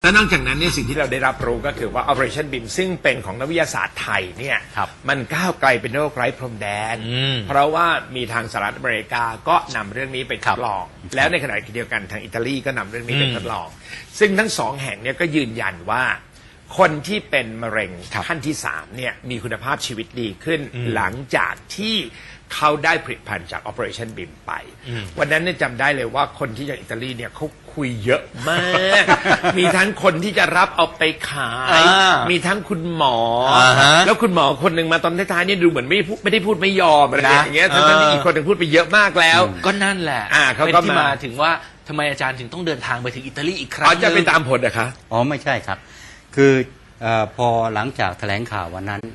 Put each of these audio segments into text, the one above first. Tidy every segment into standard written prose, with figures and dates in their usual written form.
และนอกจากนั้นเนี่ยสิ่งที่เราได้รับรู้ก็คือว่า Operation BIM ซึ่งเป็นของนักวิทยาศาสตร์ไทยเนี่ยมันก้าวไกลเป็นโรคไร้พรมแดนเพราะว่ามีทางสหรัฐอเมริกาก็นำเรื่องนี้ไปทดลองแล้วในขณะเดียวกันทางอิตาลีก็นำเรื่องนี้ไปทดลองซึ่งทั้งสองแห่งเนี่ยก็ยืนยันว่าคนที่เป็นมะเร็งขั้นที่3เนี่ยมีคุณภาพชีวิตดีขึ้นหลังจากที่เขาได้ผลิตภัณฑ์จาก Operation BIM ไปวันนั้นเนี่ยจำได้เลยว่าคนที่จากอิตาลีเนี่ยเขาคุยเยอะมาก มีทั้งคนที่จะรับเอาไปขายมีทั้งคุณหมอแล้วคุณหมอคนหนึ่งมาตอนท้ายๆเนี่ยดูเหมือนไม่ได้พูดไม่ยอมอะไรอย่างเงี้ยทั้งที่อีกคนหนึ่งพูดไปเยอะมากแล้วก็นั่นแหละเป็นที่มาถึงว่าทำไมอาจารย์ถึงต้องเดินทางไปถึงอิตาลีอีกครั้งจะไปตามผลนะคะอ๋อไม่ใช่ครับคือพอหลังจากแถลงข่าววันนั้น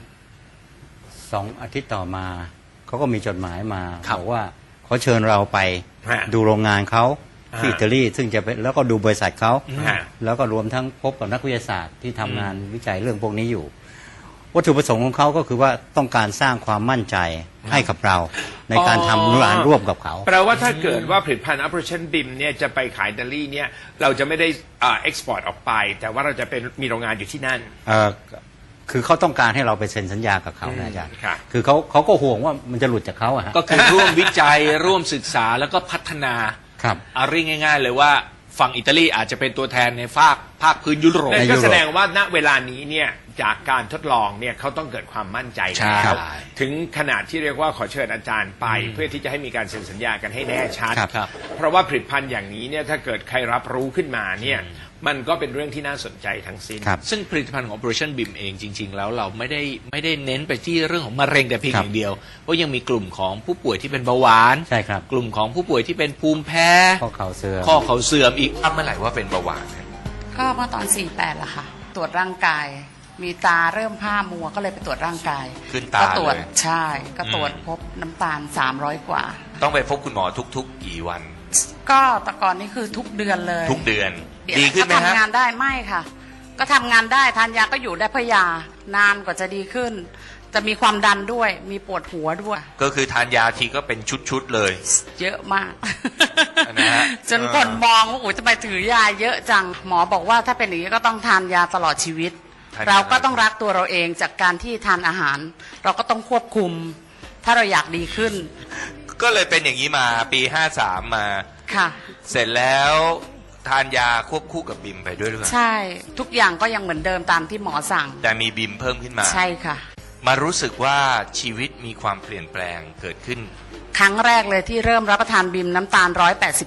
2 อาทิตย์ต่อมาเขาก็มีจดหมายมาบอกว่าเขาเชิญเราไปดูโรงงานเขาที่อิตาลีซึ่งจะแล้วก็ดูบริษัทเขาแล้วก็รวมทั้งพบกับนักวิทยาศาสตร์ที่ทำงานวิจัยเรื่องพวกนี้อยู่วัตถุประสงค์ของเขาก็คือว่าต้องการสร้างความมั่นใจให้กับเราในการทำงานร่วมกับเขาแปลว่าถ้าเกิดว่าผลิตภัณฑ์ Operation BIM เนี่ยจะไปขายอิตาลีเนี่ยเราจะไม่ได้เอ็กซ์พอร์ตออกไปแต่ว่าเราจะเป็นมีโรงงานอยู่ที่นั่นคือเขาต้องการให้เราไปเซ็นสัญญากับเขานะอาจารย์คือเขาก็ห่วงว่ามันจะหลุดจากเขาก็คือร่วมวิจัยร่วมศึกษาแล้วก็พัฒนาเอาเรียกง่ายๆเลยว่าฝั่งอิตาลีอาจจะเป็นตัวแทนในภาคพื้นยุโรปก็แสดงว่าณเวลานี้เนี่ยจากการทดลองเนี่ยเขาต้องเกิดความมั่นใจแล้วถึงขนาดที่เรียกว่าขอเชิญอาจารย์ไปเพื่อที่จะให้มีการเซ็นสัญญากันให้แน่ชัดเพราะว่าผลิตภัณฑ์อย่างนี้เนี่ยถ้าเกิดใครรับรู้ขึ้นมาเนี่ยมันก็เป็นเรื่องที่น่าสนใจทั้งสิ้นซึ่งผลิตภัณฑ์ของ Operation BIM เองจริงๆแล้วเราไม่ได้เน้นไปที่เรื่องของมะเร็งแต่เพียงอย่างเดียวเพราะยังมีกลุ่มของผู้ป่วยที่เป็นเบาหวานใช่ครับกลุ่มของผู้ป่วยที่เป็นภูมิแพ้ข้อเข่าเสื่อมอีกเมื่อไหร่ว่าเป็นเบาหวานก็เมื่อตอน48ละค่ะตรวจร่างกายมีตาเริ่มผ้ามัวก็เลยไปตรวจร่างกายขึ้นตาก็ตรวจใช่ก็ตรวจพบน้ำตาล300 กว่าต้องไปพบคุณหมอทุกๆกี่วันก็แต่ก่อนนี้คือทุกเดือนเลยทุกเดือนดีขึ้นไหมฮะทำงานได้ไม่ค่ะก็ทำงานได้ทานยาก็อยู่ได้เพราะยานานกว่าจะดีขึ้นจะมีความดันด้วยมีปวดหัวด้วยก็คือทานยาทีก็เป็นชุดๆเลยเยอะมากจนคนมองว่าโอ้ยทำไมถือยาเยอะจังหมอบอกว่าถ้าเป็นอย่างนี้ก็ต้องทานยาตลอดชีวิตเราก็ต้องรักตัวเราเองจากการที่ทานอาหารเราก็ต้องควบคุมถ้าเราอยากดีขึ้นก็เลยเป็นอย่างนี้มาปี53มาค่ะเสร็จแล้วทานยาควบคู่กับบิมไปด้วยหรือเปล่าใช่ทุกอย่างก็ยังเหมือนเดิมตามที่หมอสั่งแต่มีบิมเพิ่มขึ้นมาใช่ค่ะมารู้สึกว่าชีวิตมีความเปลี่ยนแปลงเกิดขึ้นครั้งแรกเลยที่เริ่มรับประทานบิมน้ำตาล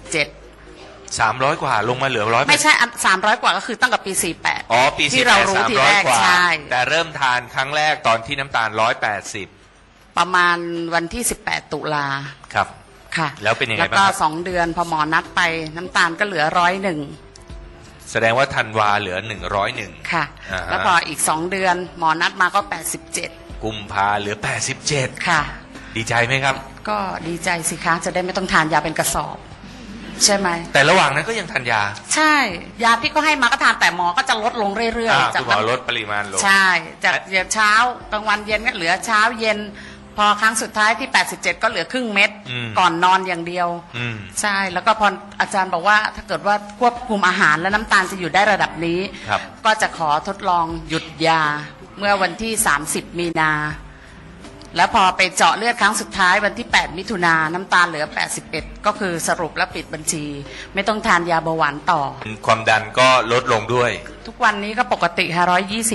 300 กว่าลงมาเหลือ100 ไม่ใช่300 กว่าก็คือตั้งแต่ปี48 อ๋อปีที่เรารู้ทีแรกใช่แต่เริ่มทานครั้งแรกตอนที่น้ำตาล180 ประมาณวันที่18 ตุลาครับค่ะแล้วเป็นยังไงบ้างแล้วก็2 เดือนพอหมอนัดไปน้ำตาลก็เหลือ101 แสดงว่าธันวาเหลือ101 ค่ะแล้วพออีก2 เดือนหมอนัดมาก็87 กุมภาเหลือ87 ค่ะดีใจไหมครับก็ดีใจสิคะจะได้ไม่ต้องทานยาเป็นกระสอบใช่ไหมแต่ระหว่างนั้นก็ยังทานยาใช่ยาที่ก็ให้มาก็ทานแต่หมอก็จะลดลงเรื่อยๆจากหมอลดปริมาณลงใช่จากเช้ากลางวันเย็นก็เหลือเช้าเย็นพอครั้งสุดท้ายที่87ก็เหลือครึ่งเม็ดก่อนนอนอย่างเดียวใช่แล้วก็พออาจารย์บอกว่าถ้าเกิดว่าควบคุมอาหารและน้ำตาลจะอยู่ได้ระดับนี้ก็จะขอทดลองหยุดยาเมื่อวันที่30 มีนาแล้วพอไปเจาะเลือดครั้งสุดท้ายวันที่8 มิถุนาน้ำตาลเหลือ81ก็คือสรุปและปิดบัญชีไม่ต้องทานยาเบาหวานต่อความดันก็ลดลงด้วยทุกวันนี้ก็ปกติค่ะ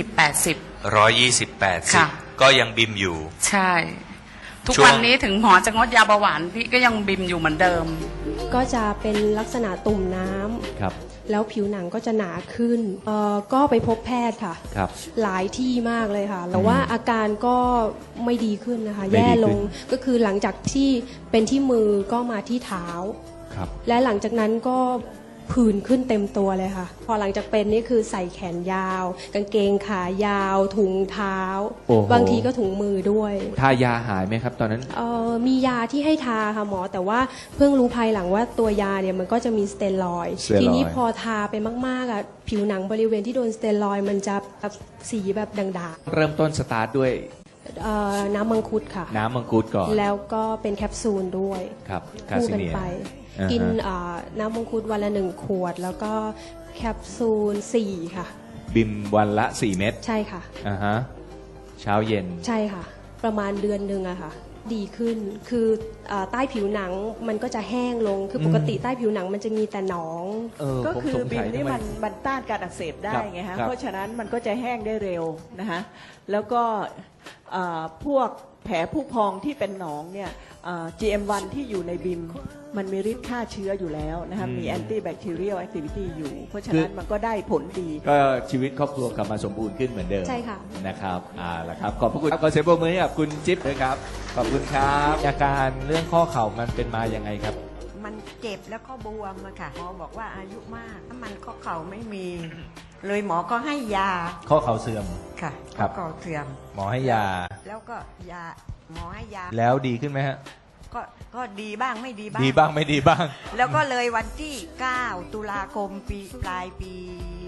120/80 ก็ยังบิมอยู่ใช่ทุกวันนี้ถึงหมอจะงดยาเบาหวานพี่ก็ยังบิมอยู่เหมือนเดิมก็จะเป็นลักษณะตุ่มน้ำครับแล้วผิวหนังก็จะหนาขึ้นก็ไปพบแพทย์ค่ะครับหลายที่มากเลยค่ะแต่ว่าอาการก็ไม่ดีขึ้นนะคะแย่ลงก็คือหลังจากที่เป็นที่มือก็มาที่เท้าครับและหลังจากนั้นก็ผื่นขึ้นเต็มตัวเลยค่ะพอหลังจากเป็นนี่คือใส่แขนยาวกางเกงขายาวถุงเท้าบางทีก็ถุงมือด้วยทายาหายไหมครับตอนนั้นมียาที่ให้ทาค่ะหมอแต่ว่าเพิ่งรู้ภายหลังว่าตัวยาเนี่ยมันก็จะมีสเตียรอยด์ทีนี้พอทาไปมากๆอ่ะผิวหนังบริเวณที่โดนสเตียรอยด์มันจะแบบสีแบบด่างๆเริ่มต้นสตาร์ทด้วยน้ำมังคุดค่ะน้ำมังคุดก่อนแล้วก็เป็นแคปซูลด้วยครับคู่กันไปกินน้ำมังคุดวันละ1 ขวดแล้วก็แคปซูล4 ค่ะบิมวันละ 4 เม็ดใช่ค่ะอ่าฮะเช้าเย็นใช่ค่ะ ประมาณเดือนหนึ่งอะค่ะ ดีขึ้นคือใต้ผิวหนังมันก็จะแห้งลงคือปกติใต้ผิวหนังมันจะมีแต่หนองก็คือผมสงบิสัมยนี่ทำไมันต้านการอักเสบได้ครับไงฮะครับเพราะฉะนั้นมันก็จะแห้งได้เร็วนะคะแล้วก็พวกแผลผู้พองที่เป็นหนองเนี่ยGM1 ที่อยู่ในบิมมันมีฤทธิ์ฆ่าเชื้ออยู่แล้วนะคะมี antibacterial activity อยู่ เพราะฉะนั้นมันก็ได้ผลดีก็ชีวิตครอบครัวกลับมาสมบูรณ์ขึ้นเหมือนเดิมใช่ค่ะนะครับละครับขอบพระคุณขอเสียงปรบมือให้กับคุณจิ๊บด้วยครับขอบคุณครับอาการเรื่องข้อเข่ามันเป็นมายังไงครับมันเจ็บแล้วก็บวมอะค่ะหมอบอกว่าอายุมากถ้ามันข้อเข่าไม่มี เลยหมอก็ให้ยาข้อเข่าเสื่อมค่ะครัข้อบ เข่าเสื่อมหมอให้ยาแล้วก็ยาหมอให้ยาแล้วดีขึ้นไหมฮะก็ดีบ้างไม่ดีบ้างดีบ้างไม่ดีบ้างแล้วก็เลยวันที่ 9 ตุลาคมปลายปี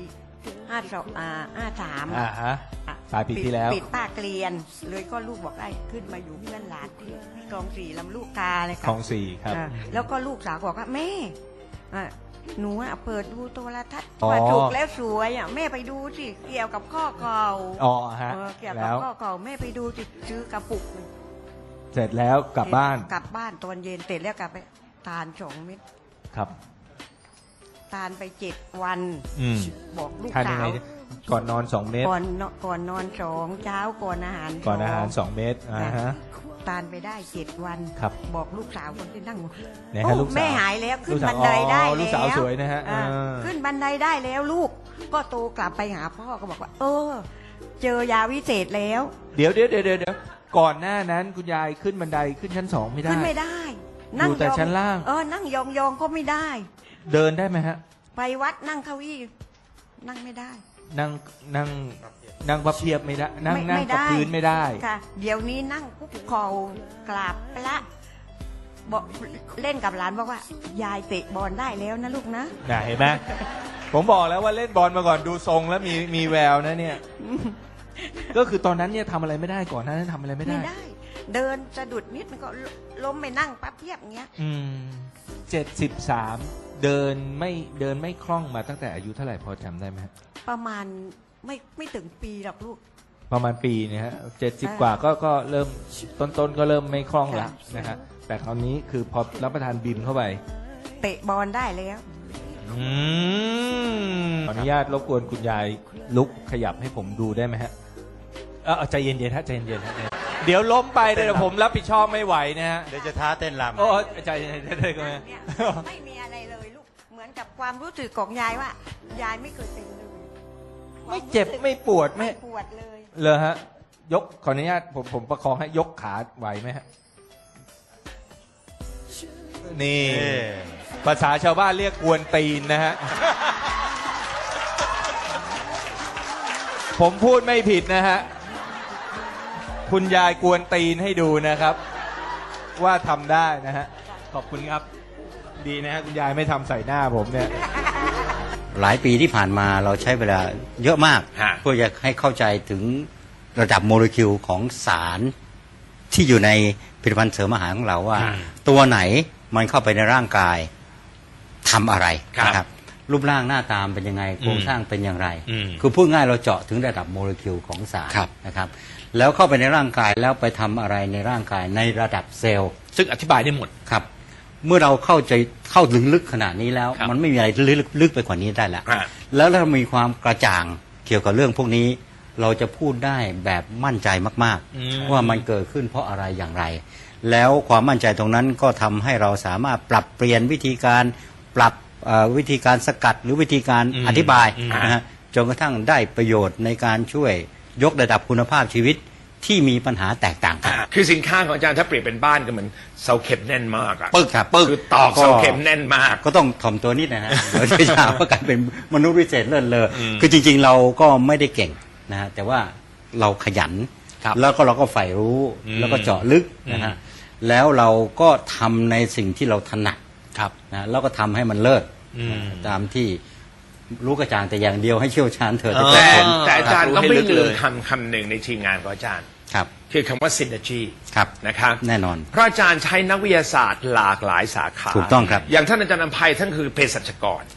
53 ฮะปลายปีที่แล้วปิดป้าเกลียน เลยก็ลูกบอกได้ขึ้นมาอยู่เพื่อนหลานที่คลองสี่ลำลูกกาเลยค่ะของสี่ครับแล้วก็ลูกสาวบอกว่าแม่หนูเปิดดูโทรทัศน์อ๋อว่าถูกแล้วสวยแม่ไปดูสิเกี่ยวกับข้อเข่าอ๋อฮะเกี่ยวกับแล้วข้อเข่าแม่ไปดูสิซื้อกระปุกเสร็จแล้วกลับบ้านกลับบ้านตอนเย็นเสร็จแล้วกลับไปทาน2 เม็ดครับทานไป7 วันอืมบอกลูกทานยัสางไงวก่อนนอน2 เม็ดก่อนนอน2เช้าก่อนอาหารก่อนอาหาร 2 2 เม็ดฮะทานไปได้7 วันครับบอกลูกสาวคนที่นั่งไหนฮะโอ้ลูกสาวแม่หายแล้วขึ้ลูนกสาวบันไดได้อ๋อแล้วลูกสาวสวยนะฮะขึ้นบันไดได้แล้วลูกก็โตกลับไปหาพ่อก็บอกว่า เจอยาวิเศษแล้วเดี๋ยวก่อนหน้านั้นคุณยายขึ้นบันไดขึ้นชั้น 2 ไม่ได้ขึ้นไม่ได้อยู่แต่ชั้นล่างนั่งยองๆก็ไม่ได้เดินได้ไหมฮะไปวัดนั่งเก้าอี้นั่งไม่ได้นั่งพับเพียบไม่ได้ นั่งไม่กับได้พื้นไม่ได้ค่ะ เดี๋ยวนี้นั่งคุกเข่ากราบพระบอกเล่นกับหลานบอกว่า ยายเตะบอลได้แล้วนะลูกนะน่ะเห็นไหม ผมบอกแล้วว่าเล่นบอลมาก่อนดูทรงแล้วมีแววนะเนี่ย ก็คือตอนนั้นเนี่ยทำอะไรไม่ได้ก่อนหน้านั้นทำอะไรไม่ได้ไม่ได้ เดินสะดุดนิดมันก็ล้มไปนั่งปั๊บเพียบอย่างเงี้ย 73เดินไม่คล่องมาตั้งแต่อายุเท่าไหร่พอจำได้ไหมฮะประมาณไม่ถึงปีหรอกลูกประมาณปีเนี่ยฮะ70 กว่าก็เริ่มต้นก็เริ่มไม่คล่องแล้วนะฮะแต่คราวนี้คือพอรับประทานบิมเข้าไปเตะบอลได้แล้วขออนุญาตรบกวนคุณยายลุกขยับให้ผมดูได้ไหมฮะใจเย็นๆฮะใจเย็นๆฮะเดี๋ยวล้มไปเดี๋ยวผมรับผิดชอบไม่ไหวนะฮะเดี๋ยวจะท้าเต้นรำโอ้ใจเย็นๆได้ก็ไหมเนี่ยไม่มีอะไรเลยลูก เหมือนกับความรู้สึกของยายว่า ยายไม่เคยเป็นเลยไม่เจ็บไม่ปวดไม่ปวดเลยเลยฮะยกขออนุญาตผมประคองให้ยกขาไหวไหมฮะนี่ภาษาชาวบ้านเรียกกวนตีนนะฮะ ผมพูดไม่ผิดนะฮะคุณยายกวนตีนให้ดูนะครับ ว่าทำได้นะฮะขอบคุณครับ ดีนะฮะคุณยายไม่ทำใส่หน้าผมเนี่ยหลายปีที่ผ่านมาเราใช้เวลาเยอะมากฮะเพื่อจะให้เข้าใจถึงระดับโมเลกุลของสารที่อยู่ในผลิตภัณฑ์เสริมอาหารของเราว่า ตัวไหนมันเข้าไปในร่างกายทำอะไรนะครับรูปร่างหน้าตามเป็นยังไงโครงสร้างเป็นอย่างไร คือพูดง่ายเราเจาะถึงระดับโมเลกุลของสารนะครับแล้วเข้าไปในร่างกายแล้วไปทำอะไรในร่างกายในระดับเซลล์ซึ่งอธิบายได้หมดครับเมื่อเราเข้าถึงลึกขนาดนี้แล้วครับมันไม่มีอะไรลึกไปกว่านี้ได้แล้ว แล้วถ้ามีความกระจ่างเกี่ยวกับเรื่องพวกนี้ เราจะพูดได้แบบมั่นใจมากๆว่ามันเกิดขึ้นเพราะอะไรอย่างไร แล้วความมั่นใจตรงนั้นก็ทำให้เราสามารถปรับเปลี่ยนวิธีการปรับวิธีการสกัดหรือวิธีการอธิบายนะฮะจนกระทั่งได้ประโยชน์ในการช่วยยกระดับคุณภาพชีวิตที่มีปัญหาแตกต่างกันคือสินค้าของอาจารย์ถ้าเปรียบเป็นบ้านก็เหมือนเสาเข็มแน่นมากอะปึ๊กครับปึ๊กคือตอกเสาเข็มแน่นมากก็ต้องถ่อมตัวนิดนะฮะ เดี๋ยวจะหาว่าการเป็นมนุษย์วิเศษเลิศเลอคือจริงๆเราก็ไม่ได้เก่งนะฮะแต่ว่าเราขยันแล้วก็เราก็ใฝ่รู้แล้วก็เจาะลึกนะฮะแล้วเราก็ทำในสิ่งที่เราถนัดนะแล้วก็ทำให้มันเลิศตามที่รู้กระจ่างแต่อย่างเดียวให้เชี่ยวชาญเถิดแต่อาจารย์ก็ไม่ให้ลึกลืเลมยคำหนึ่งในทีมงานของอาจารย์ครับคือคำว่า synergy ครับนะครับแน่นอนเพราะอาจารย์ใช้นักวิทยาศาสตร์หลากหลายสาขาถูกต้องครับอย่างท่านอาจารย์อภัยท่านคือเภสัชกรครับ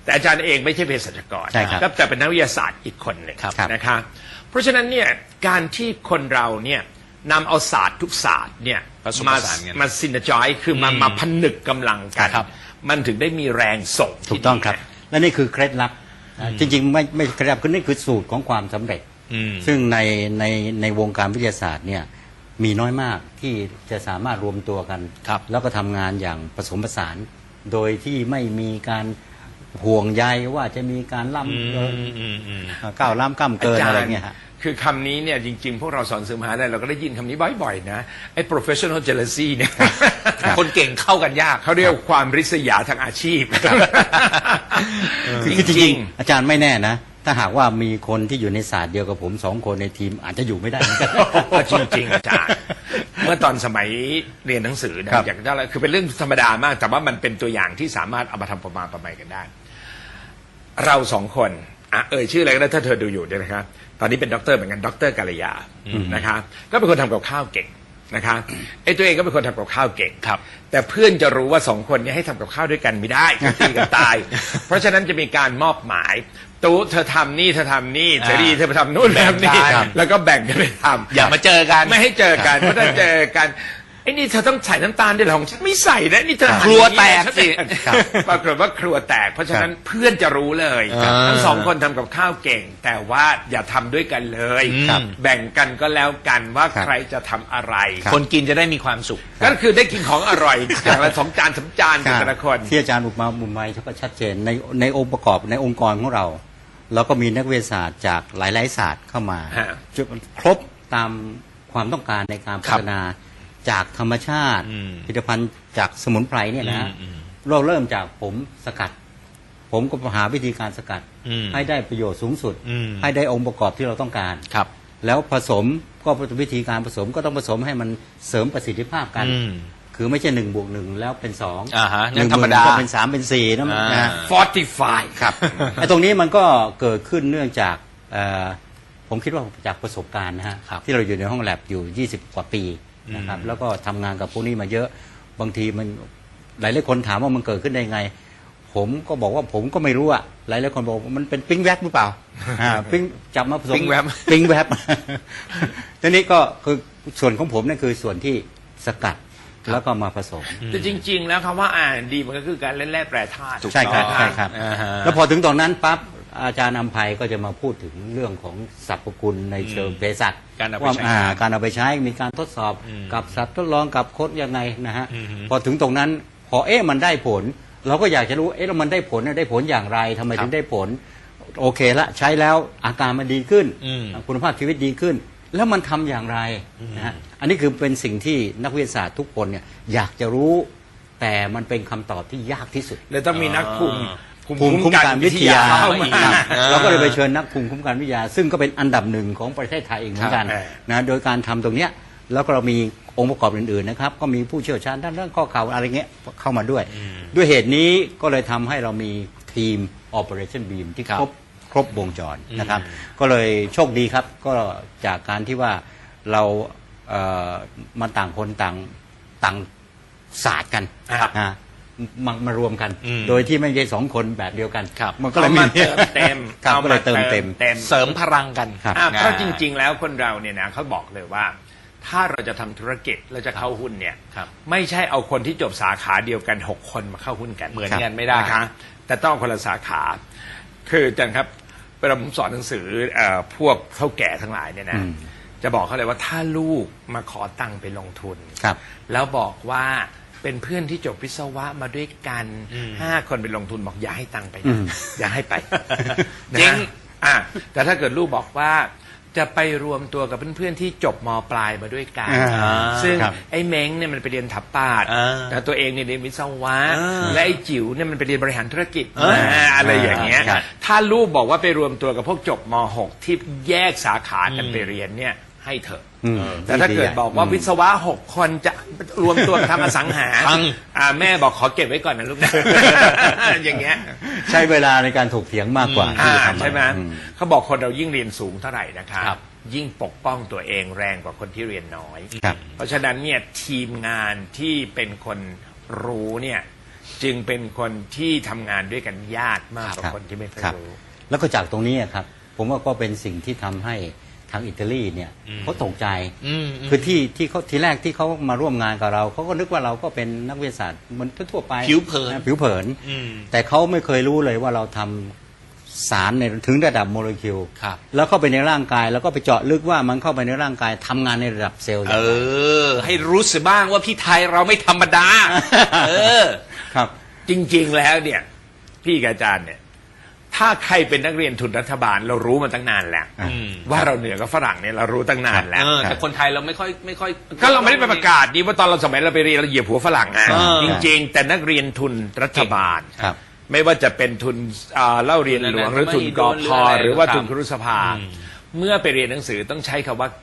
แต่อาจารย์เองไม่ใช่เภสัชกรใช่ครับก็แต่เป็นนักวิทยาศาสตร์อีกคนหนึ่งครับนะคะเพราะฉะนั้นเนี่ยการที่คนเราเนี่ยนำเอาศาสตร์ทุกศาสตร์เนี่ยผสมผสานกันมาซินจอยคือมาผนึกกำลังกันครับมันถึงได้มีแรงส่งถูที่กต้องครับดีนะและนี่คือเคล็ดลับจริงๆไม่เคล็ดลับคือนี่คือสูตรของความสำเร็จ ซึ่งในวงการวิทยาศาสตร์เนี่ยมีน้อยมากที่จะสามารถรวมตัวกันครับแล้วก็ทำงานอย่างผสมผสาน โดยที่ไม่มีการห่วงใยว่าจะมีการล้ำก้าวล้ำก้ามเกินอะไรเงี้ยฮะคือคำนี้เนี่ยจริงๆ พวกเราสอนสื่อมหาลัยเราก็ได้ยินคำนี้บ่อยๆนะไอ้ professional jealousy เนี่ยคนเก่งเข้ากันยากเขาเรียกความริษยาทางอาชีพคือจริงๆอาจารย์ไม่แน่นะ ถ้าหากว่ามีคนที่อยู่ในศาสตร์เดียวกับผม2 คนในทีมอาจจะอยู่ไม่ได้เหมือนกันจริงๆอาจารย์เมื่อตอนสมัยเรียนหนังสือนะครับ อย่างนั้นคือเป็นเรื่องธรรมดามาก แต่ว่ามันเป็นตัวอย่างที่สามารถเอามาทำประมาณประไมกันได้ เรา2 คนชื่ออะไรก็ได้ถ้าเธอดูอยู่เนี่ยนะครับตอนนี้เป็นด็อกเตอร์เหมือนกันด็อกเตอร์กาลยานะคะก็เป็นคนทำกับข้าวเก่งนะคะไอ้ตัวเองก็เป็นคนทำกับข้าวเก่งครับแต่เพื่อนจะรู้ว่า2 คนนี้ให้ทำกับข้าวด้วยกันไม่ได้ตีกันตาย เพราะฉะนั้นจะมีการมอบหมายตู้เธอทำนี่เธอทำนี่เจดีเธอไปทำนู่นทำนี่ครับแล้วก็แบ่งกันไปทำอย่ามาเจอกันไม่ให้เจอกันเพราะถ้าเจอกันไอ้นี่เธอต้องใส่น้ำตาลด้วยเหรอของฉันไม่ใส่นะนี่เธอหั่นครัวแตกฉันสิปรากฏว่าครัวแตก เพราะฉะนั้นเพื่อนจะรู้เลยครับทั้ง2 คนทำกับข้าวเก่ง แต่ว่าอย่าทำด้วยกันเลยครับแบ่งกันก็แล้วกันว่าครับใครจะทำอะไรคนกินจะได้มีความสุขก็คือได้กินของอร่อยอย่างละ2 จาน 3 จานกันแต่ละคนที่อาจารย์อุปมาบุญไม้เขาก็ชัดเจนในองค์ประกอบในองค์กรของเราเราก็มีนักวิทยาศาสตร์จากหลายๆศาสตร์เข้ามาฮะจนครบตามความต้องการในการพัฒนาจากธรรมชาติผลิตภัณฑ์จากสมุนไพรเนี่ยนะเราเริ่มจากผมสกัด ผมก็หาวิธีการสกัด ให้ได้ประโยชน์สูงสุด ให้ได้องค์ประกอบที่เราต้องการครับแล้วผสมก็วิธีการผสมก็ต้องผสมให้มันเสริมประสิทธิภาพกัน คือไม่ใช่1+1แล้วเป็น2 อ่าฮะนั่นธรรมดาก็เป็น3เป็น4นะนะฮะ fortify ครับ ไอ้ตรงนี้มันก็เกิดขึ้นเนื่องจากผมคิดว่าจากประสบการณ์นะฮะครับที่เราอยู่ในห้องแลบอยู่20 กว่าปีนะครับแล้วก็ทำงานกับพวกนี้มาเยอะบางทีมันหลายๆคนถามว่ามันเกิดขึ้นได้ไง ผมก็บอกว่าผมก็ไม่รู้อะหลายๆคนบอกว่ามันเป็นปิ๊งแวบหรือเปล่าปิ๊งจับมาผสมปิ๊งแวบปิ๊งแวบ ทีนี้ก็คือส่วนของผมนั่นคือส่วนที่สกัดแล้วก็มาผสมแต่จริง ๆ แล้วคำว่าR&D มันก็คือการเล่นแร่แปรธาตุใช่ครับใช่ครับอ่าฮะแล้วพอถึงตอนนั้นปั๊บอาจารย์อำไพก็จะมาพูดถึงเรื่องของสรรพคุณในเชิงเภสัชการเอาไปว่าใช้การเอาไปใช้มีการทดสอบกับสัตว์ทดลองกับคดยังไงนะฮะพอถึงตรงนั้นพอมันได้ผล เราก็อยากจะรู้แล้วมันได้ผลอย่างไรทำไมถึงได้ผล โอเคละใช้แล้วอาการมันดีขึ้น คุณภาพชีวิตดีขึ้น แล้วมันทำอย่างไรนะฮะอันนี้คือเป็นสิ่งที่นักวิทยาศาสตร์ทุกคนเนี่ยอยากจะรู้ แต่มันเป็นคำตอบที่ยากที่สุดเลยต้องมีนักภูมิภูมิคุ้มกันวิทยาเข้ามาครับเราก็เลยไปเชิญนักภูมิคุ้มกันวิทยา ซึ่งก็เป็นอันดับหนึ่งของประเทศไทยเองเหมือนกันครับนะโดยการทำตรงเนี้ยแล้วก็เรามีองค์ประกอบอื่นๆนะครับก็มีผู้เชี่ยวชาญด้านเรื่องข้อเข่าอะไรเงี้ยเข้ามาด้วย ด้วยเหตุนี้ก็เลยทำให้เรามีทีม Operation Beam ที่ครบวงจรนะครับก็เลยโชคดีครับก็จากการที่ว่าเรามาต่างคนต่างศาสตร์กันครับนะมารวมกัน โดยที่ไม่ใช่2 คนแบบเดียวกันครับมันก็เลยมีเอามาเติมเต็มครับก็เลยเติมเต็มเสริมพลังกันครับเพราะจริง ๆ แล้วคนเราเนี่ยนะเขาบอกเลยว่า ถ้าเราจะทำธุรกิจเราจะเข้าหุ้นเนี่ยครับไม่ใช่เอาคนที่จบสาขาเดียวกัน6 คนมาเข้าหุ้นกันเหมือนกันไม่ได้นะคะแต่ต้องคนละสาขา คืออาจารย์ครับเวลาผมสอนหนังสือพวกเฒ่าแก่ทั้งหลายเนี่ยนะจะบอกเขาเลยว่าถ้าลูกมาขอตังค์ไปลงทุนครับแล้วบอกว่าเป็นเพื่อนที่จบวิศวะมาด้วยกัน5 คนไปลงทุนบอกอย่าให้ตังค์ไปนะอย่าให้ไปจริงนะแต่ถ้าเกิดลูกบอกว่าจะไปรวมตัวกับเพื่อนๆที่จบม.ปลายมาด้วยกัน ซึ่งครับไอ้เม้งเนี่ยมันไปเรียนถับปาดแต่ตัวเองเนี่ยเรียนวิศวะ และไอ้จิ๋วเนี่ยมันไปเรียนบริหารธุรกิจอะไรอย่างเงี้ยครับถ้าลูกบอกว่าไปรวมตัวกับพวกจบม .6 ที่แยกสาขากันไปเรียนเนี่ยให้เถอะ แต่ถ้าเกิดบอกว่าวิศวะ6 คนจะรวมตัวกันทำอสังหาแม่บอกขอเก็บไว้ก่อนนะลูกนะ อย่างเงี้ยใช้เวลาในการถกเถียงมากกว่าที่จะทำใช่ไหมอืเขาบอกคนเรายิ่งเรียนสูงเท่าไหร่นะครับครับยิ่งปกป้องตัวเองแรงกว่าคนที่เรียนน้อยครับเพราะฉะนั้นเนี่ยทีมงานที่เป็นคนรู้เนี่ยจึงเป็นคนที่ทำงานด้วยกันยากมากกว่าครับคนที่ไม่เคยครับรู้แล้วก็จากตรงนี้อะครับ ผมว่าก็เป็นสิ่งที่ทำให้ทางอิตาลีเนี่ยเขาตกใจ คือที่เขาทีแรกที่เขามาร่วมงานกับเราเขาก็นึกว่าเราก็เป็นนักวิทยาศาสตร์เหมันทั่วๆไปผิวเผินนะผิวเผิน แต่เขาไม่เคยรู้เลยว่าเราทำสารในถึงระดับโมเลกุลครับแล้วเข้าไปในร่างกายแล้วก็ไปเจาะลึกว่ามันเข้าไปในร่างกายทำงานในระดับเซลล์อย่างไรให้รู้สึกบ้างว่าพี่ไทยเราไม่ธรรมดาครับจริงๆแล้วเนี่ยพี่กับอาจารย์เนี่ยถ้าใครเป็นนักเรียนทุนรัฐบาลเรารู้มาตั้งนานแล้ว ว่าเราเหนือกับฝรั่งเนี่ยเรารู้ตั้งนานแล้วแต่คนไทยเราไม่ค่อยก็เราไม่ได้ไปประกาศดีว่าตอนเราสมัยเราไปเรียนเราเหยียบหัวฝรั่งอ่ะ จริงๆ แต่นักเรียนทุนรัฐบาลครับไม่ว่าจะเป็นทุนเล่าเรียนหลวงหรือทุนกพหรือว่าทุนครุสภา เมื่อไปเรียนหนังสือต้องใช้คำว่า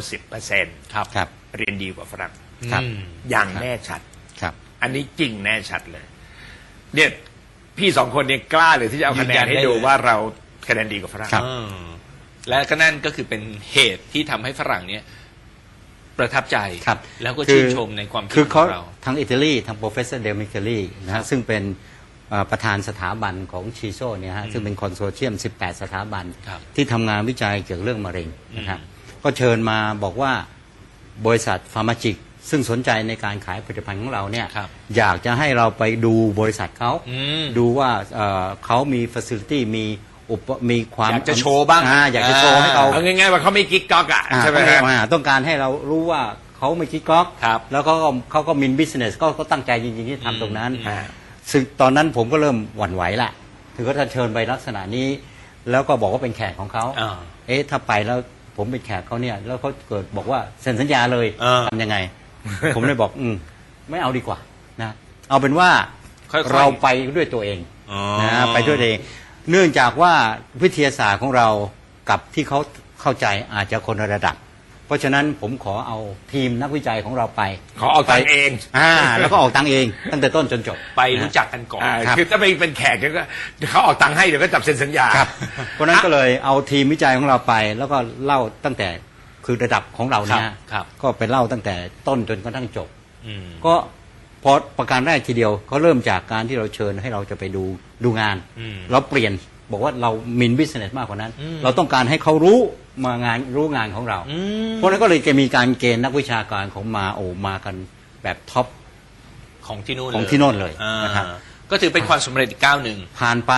90% ครับครับเรียนดีกว่าฝรั่งครับอย่างแน่ชัดครับอันนี้จริงแน่ชัดเลย เนี่ยพี่สองคนเนี่ยกล้าเลยที่จะเอาคะแนนให้ดูว่าเราคะแนนดีกว่าฝรั่งครับและก็นั่นก็คือเป็นเหตุที่ทำให้ฝรั่งเนี่ยประทับใจครับแล้วก็ชื่นชมในความคิดคือขเขาองเราทางอิตาลีทาง professor Del Micheli นะฮะซึ่งเป็นประธานสถาบันของชีโซเนี่ยฮะซึ่งเป็นคอนโซเชียม 18 สถาบันครับที่ทำงานวิจัยเกี่ยวกับเรื่องมะเร็งนะครับก็เชิญมาบอกว่าบริษัทฟาร์มาจิกซึ่งสนใจในการขายผลิตภัณฑ์ของเราเนี่ยครับอยากจะให้เราไปดูบริษัทเขา ดูว่าเขามี facility มีความอยากจะโชว์บ้างอยากจะโชว์ให้เขาเอาง่ายๆว่าเขาไม่กิ๊กก๊อกอ่ะใช่ไหมฮะต้องการให้เรารู้ว่าเขาไม่คิดก๊อกครับแล้วเขาก็มินบิสเนสก็ตั้งใจจริงๆที่ทำตรงนั้น ซึ่งตอนนั้นผมก็เริ่มหวั่นไหวละถือว่าถ้าเชิญไปลักษณะนี้ แล้วก็บอกว่าเป็นแขกของเขา ถ้าไปแล้วผมเป็นแขกเขาเนี่ยแล้วเขาเกิดบอกว่าเซ็นสัญญาเลยทำยังไง ผมเลยบอกไม่เอาดีกว่านะเอาเป็นว่าค่อยๆเราไปด้วยตัวเองนะไปด้วยตัวเอง เนื่องจากว่าวิทยาศาสตร์ของเรากับที่เขาเข้าใจอาจจะคนละระดับ เพราะฉะนั้นผมขอเอาทีมนักวิจัยของเราไปขอเอาตังค์เองแล้วก็ออกตังค์เองตั้งแต่ต้นจนจบไปรู้จักกันก่อนคือถ้าไปเป็นแขกก็เขาออกตังค์ให้เดี๋ยวก็จับเซ็นสัญญาเพราะฉะนั้นก็เลยเอาทีมวิจัยของเราไป แล้วก็เล่าตั้งแต่คือระดับของเราเนี่ยครับก็ไปเล่าตั้งแต่ต้นจนกระทั่งจบก็พอประการแรกทีเดียวเขาเริ่มจากการที่เราเชิญให้เราจะไปดูงาน เราเปลี่ยนบอกว่าเรามินบิสเนสมากกว่านั้น เราต้องการให้เขารู้งานของเรา เพราะฉะนั้นก็เลยจะมีการเกณฑ์นักวิชาการของมากันแบบท็อปของที่นู่นของที่โน่นเลยนะครับก็ถือเป็นความสำเร็จอีกก้าวหนึ่งผ่านไป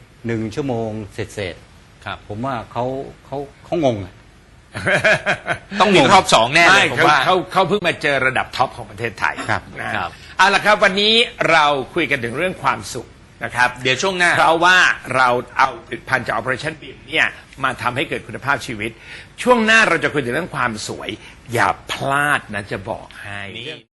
1 ชั่วโมงเสร็จครับผมว่าเขางงอะต้องมีรอบสองแน่เลยผมว่าเขาเพิ่งมาเจอระดับท็อปของประเทศไทยครับนะครับ เอาละครับวันนี้เราคุยกันถึงเรื่องความสุขนะครับเดี๋ยวช่วงหน้าเพราะว่าเราเอาผลิตภัณฑ์จาก Operation BIM เนี่ยมาทำให้เกิดคุณภาพชีวิต ช่วงหน้าเราจะคุยถึงเรื่องความสวย อย่าพลาดนะจะบอกให้